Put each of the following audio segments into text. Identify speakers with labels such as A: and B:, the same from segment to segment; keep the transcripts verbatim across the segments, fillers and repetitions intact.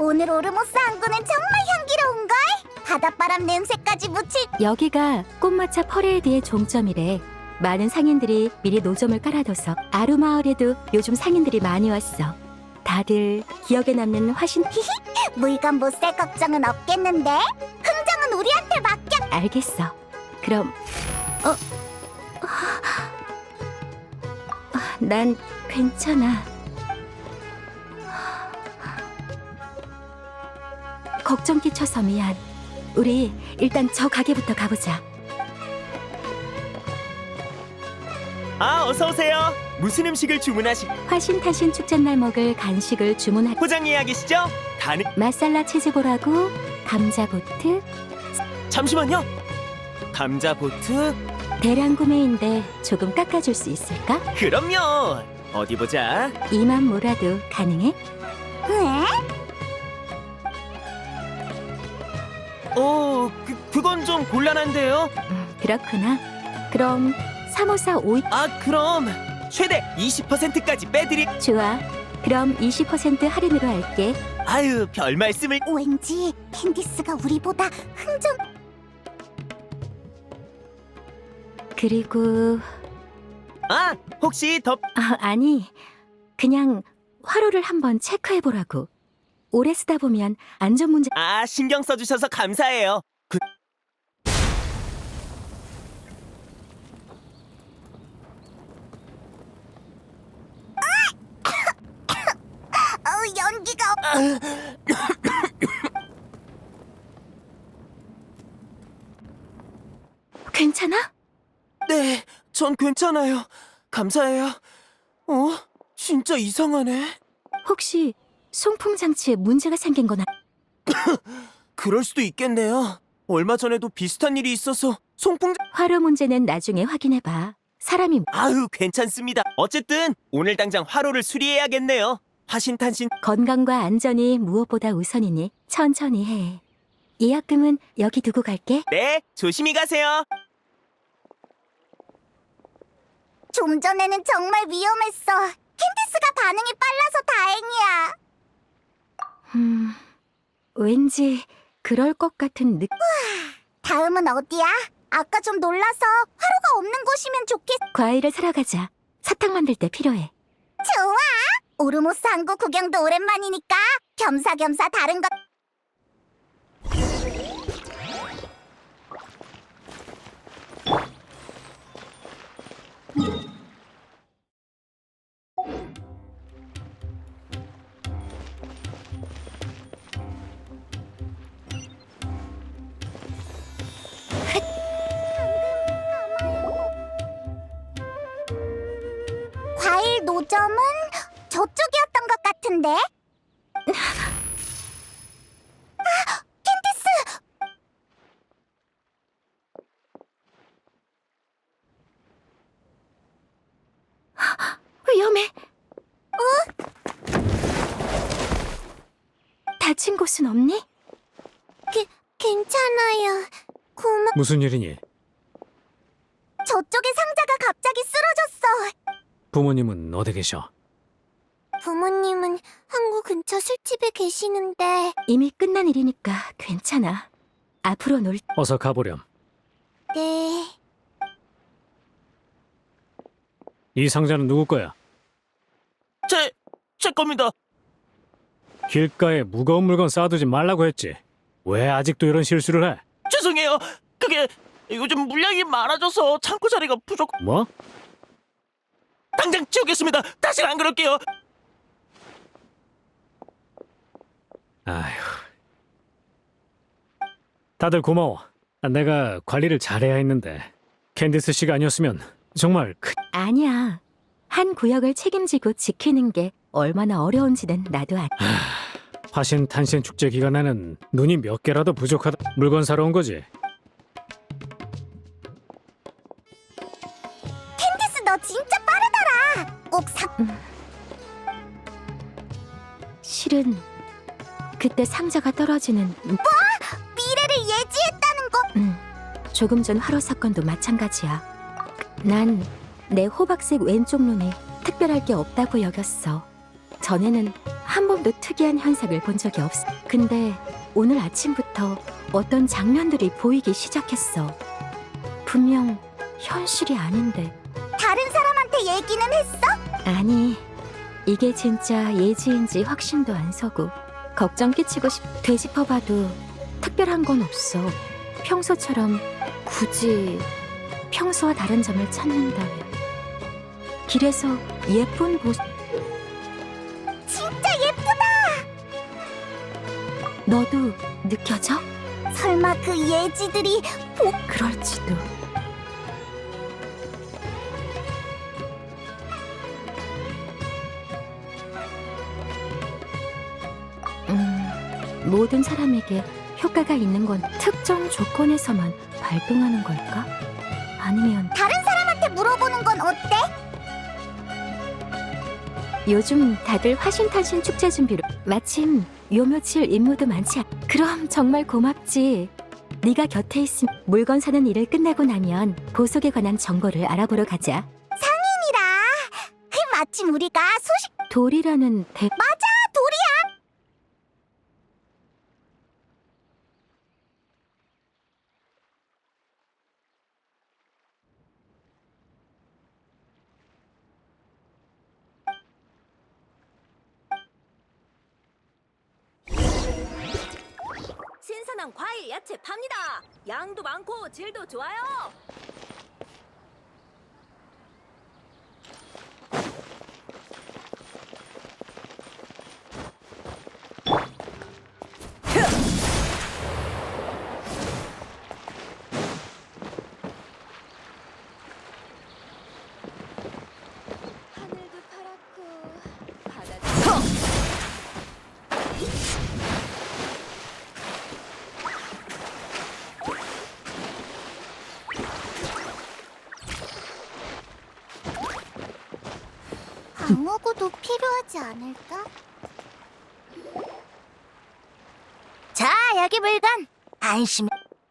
A: 오늘 오르모스 항구는 정말 향기로운걸? 바닷바람 냄새까지 묻힐.
B: 여기가 꽃마차 퍼레이드의 종점이래. 많은 상인들이 미리 노점을 깔아둬서 아루마을에도 요즘 상인들이 많이 왔어. 다들 기억에 남는 화신.
A: 물건 못 살 걱정은 없겠는데? 흥정은 우리한테 맡겨.
B: 알겠어. 그럼 어? 난 괜찮아. 걱정 끼쳐서 미안. 우리 일단 저 가게부터 가보자.
C: 아, 어서 오세요. 무슨 음식을 주문하시?
B: 화신탄신 축제날 먹을 간식을 주문할.
C: 포장 예약이시죠? 가능.
B: 마살라 치즈볼하고 감자보트.
C: 잠시만요. 감자 보트?
B: 대량 구매인데 조금 깎아줄 수 있을까?
C: 그럼요. 어디 보자.
B: 이만 몰아도 가능해?
A: 왜?
C: 어, 그 그건 좀 곤란한데요.
B: 음, 그렇구나. 그럼 삼오사오이.
C: 아, 그럼 최대 이십 퍼센트까지 빼드리.
B: 좋아. 그럼 이십 퍼센트 할인으로 할게.
C: 아유, 별 말씀을.
A: 왠지 캔디스가 우리보다 흥정.
B: 그리고
C: 아, 혹시 더.
B: 아, 아니 그냥 화로를 한번 체크해보라고. 오래 쓰다 보면 안전 문제.
C: 아, 신경 써주셔서 감사해요. 그...
A: 어, 연기가 없...
B: 괜찮아?
C: 네, 전 괜찮아요. 감사해요. 어? 진짜 이상하네.
B: 혹시 송풍 장치에 문제가 생긴 거나?
C: 그럴 수도 있겠네요. 얼마 전에도 비슷한 일이 있어서 송풍.
B: 화로 문제는 나중에 확인해봐. 사람이.
C: 아유, 괜찮습니다. 어쨌든 오늘 당장 화로를 수리해야겠네요. 화신탄신.
B: 건강과 안전이 무엇보다 우선이니 천천히 해. 예약금은 여기 두고 갈게.
C: 네, 조심히 가세요.
A: 좀 전에는 정말 위험했어. 캔디스가 반응이 빨라서 다행이야.
B: 음, 왠지 그럴 것 같은 느.
A: 다음은 어디야? 아까 좀 놀라서 화로가 없는 곳이면 좋겠...
B: 과일을 사러 가자. 사탕 만들 때 필요해.
A: 좋아! 오르모스 항구 구경도 오랜만이니까 겸사겸사 다른 것... 과일 노점은 저쪽이었던 것 같은데? 아, 캔디스!
B: 위험해. 어? 다친 곳은 없니?
A: 게, 괜찮아요. 고마...
D: 무슨 일이니?
A: 저쪽에 상자가 갑자기 쓰러졌어.
D: 부모님은 어디 계셔?
A: 부모님은 항구 근처 술집에 계시는데...
B: 이미 끝난 일이니까 괜찮아. 앞으로 놀.
D: 어서 가보렴.
A: 네...
D: 이 상자는 누구 거야?
C: 제, 제 겁니다.
D: 길가에 무거운 물건 쌓아두지 말라고 했지. 왜 아직도 이런 실수를 해?
C: 죄송해요. 그게 요즘 물량이 많아져서 창고 자리가 부족.
D: 뭐?
C: 당장 치우겠습니다. 다시는 안 그럴게요.
D: 아휴. 다들 고마워. 내가 관리를 잘해야 했는데 캔디스 씨가 아니었으면 정말 큰...
B: 아니야. 한 구역을 책임지고 지키는 게 얼마나 어려운지는 나도 알.
D: 화신 탄신 축제 기간에는 눈이 몇 개라도 부족하다. 물건 사러 온 거지.
A: 캔디스 너 진짜 빠르더라. 꼭 사...
B: 실은 그때 상자가 떨어지는.
A: 미래를 예지했다는 거...
B: 음, 조금 전 화로 사건도 마찬가지야. 난 내 호박색 왼쪽 눈이 특별할 게 없다고 여겼어. 전에는 한 번도 특이한 현상을 본 적이 없어. 근데 오늘 아침부터 어떤 장면들이 보이기 시작했어. 분명 현실이 아닌데.
A: 다른 사람한테 얘기는 했어?
B: 아니, 이게 진짜 예지인지 확신도 안 서고 걱정 끼치고 싶... 되짚어봐도 특별한 건 없어. 평소처럼 굳이 평소와 다른 점을 찾는다면 길에서 예쁜 모습...
A: 진짜 예쁘다.
B: 너도 느껴져?
A: 설마 그 예지들이
B: 그럴지도. 음, 모든 사람에게 효과가 있는 건 특정 조건에서만 발동하는 걸까? 아니면
A: 다른 사람한테 물어보는 건 어때?
B: 요즘 다들 화신탄신 축제 준비로 마침 요 며칠 임무도 많지 않... 그럼 정말 고맙지. 네가 곁에 있음. 물건 사는 일을 끝나고 나면 보석에 관한 정보를 알아보러 가자.
A: 이라. 그 마침 우리가 소식
B: 돌이라는 대...
A: 맞아 돌이야.
E: 신선한 과일, 야채 팝니다. 양도 많고 질도 좋아요. 하늘도 파랗고 바다도
A: 방어구도 필요하지 않을까? 자, 여기 물건. 안심해.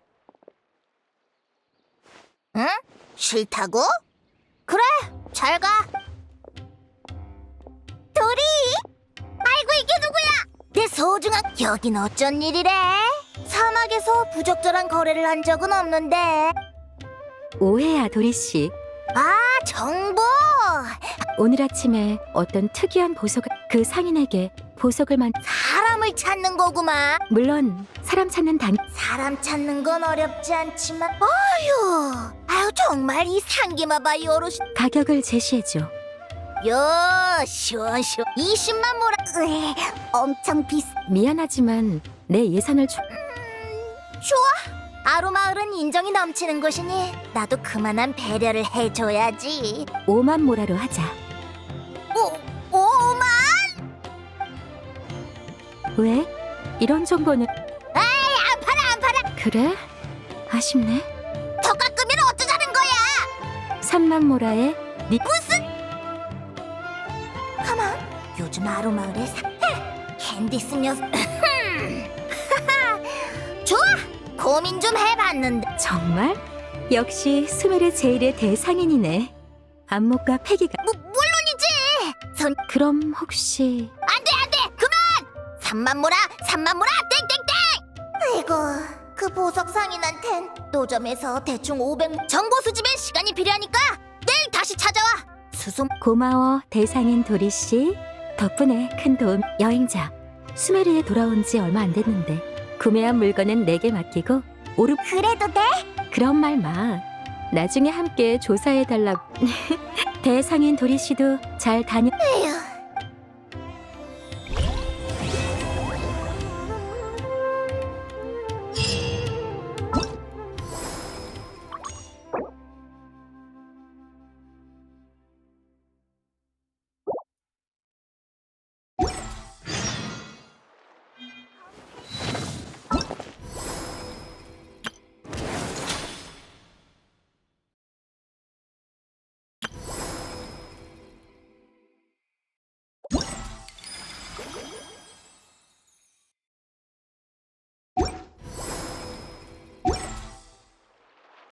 A: 응? 싫다고? 그래, 잘 가. 도리! 아이고, 이게 누구야? 내 소중한... 여긴 어쩐 일이래? 사막에서 부적절한 거래를 한 적은 없는데.
B: 오해야, 도리씨.
A: 아, 정보!
B: 오늘 아침에 어떤 특이한 보석을... 그 상인에게 보석을 만...
A: 사람을 찾는 거구만.
B: 물론 사람 찾는 단...
A: 사람 찾는 건 어렵지 않지만 아유 아유 정말 이 상기마바이 어르신
B: 가격을 제시해줘.
A: 요 시원시원 이십만 모라 으에, 엄청 비싸.
B: 미안하지만 내 예산을 주...
A: 좋아. 아루마을은 인정이 넘치는 곳이니 나도 그만한 배려를 해줘야지.
B: 오만 모라로 하자.
A: 오, 오만?
B: 왜? 이런 정보는...
A: 안 팔아 안 팔아.
B: 그래? 아쉽네.
A: 더 깎으면 어쩌자는 거야.
B: 삼만 모라에 니...
A: 가만. 요즘 아루마을에 사... 캔디스 녀석. 좋아. 고민 좀 해봤는데
B: 정말? 역시 수메르 제일의 대상인이네. 안목과 패기가...
A: 뭐, 물론이지. 손
B: 그럼 혹시...
A: 안돼 안돼 그만. 삼만 모라 삼만 모라 땡땡땡. 아이고 그 보석 상인한텐 노점에서 대충 오백 정보 수집에 시간이 필요하니까 내일 다시 찾아와. 수송
B: 고마워, 대상인 도리씨. 덕분에 큰 도움. 여행자, 수메르에 돌아온 지 얼마 안 됐는데 구매한 물건은 내게 맡기고 오르...
A: 그래도 돼?
B: 그런 말 마. 나중에 함께 조사해달라고. 대상인 도리씨도 잘 다녀...
A: 에휴